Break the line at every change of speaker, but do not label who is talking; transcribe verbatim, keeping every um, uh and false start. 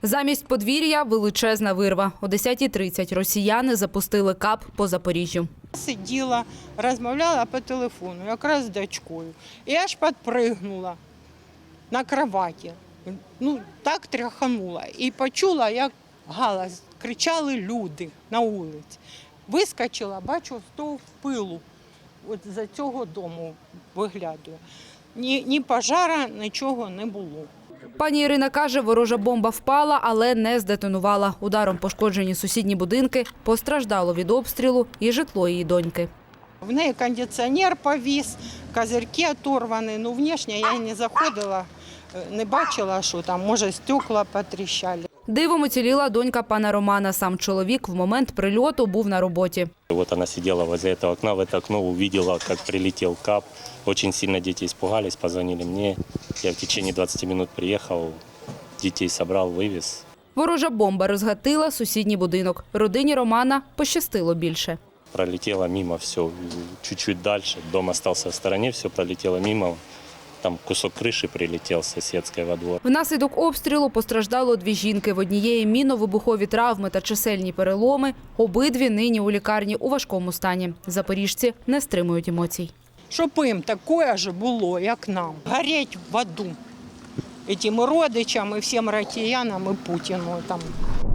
Замість подвір'я – величезна вирва. О десятій тридцять росіяни запустили кап по Запоріжжю.
Сиділа, розмовляла по телефону, якраз з дочкою. І аж підпригнула на кроваті. Ну, так тряханула. І почула, як галас, кричали люди на вулиці. Вискочила, бачу, стовп пилу. От за цього дому виглядаю. Ні, ні пожара, нічого не було.
Пані Ірина каже, ворожа бомба впала, але не здетонувала. Ударом пошкоджені сусідні будинки, постраждало від обстрілу і житло її доньки.
В неї кондиціонер повіс, козирки оторвані. Ну, внешне я не заходила, не бачила, що там, може, стекла потріщали.
Дивом уціліла донька пана Романа. Сам чоловік в момент прильоту був на роботі.
Вот она сидела возле этого окна, в это окно увидела, как прилетел кап. Очень сильно дети испугались, позвонили мне. Я в течение двадцати минут приехал, детей собрал, вывез.
Ворожа бомба розгатила сусідній будинок. Родині Романа пощастило більше.
Пролетело мимо все, чуть-чуть дальше. Дом остался в стороне, все пролетело мимо. Там кусок крыши прилетел соседской во двор.
Внаслідок обстрілу постраждало дві жінки. В однієї мінно-вибухові травми та чисельні переломи. Обидві нині у лікарні у важкому стані. Запоріжці не стримують емоцій.
Щоб їм таке ж було, як нам. Гореть в аду. Этим родичам і всім росіянам, і Путіну. Там.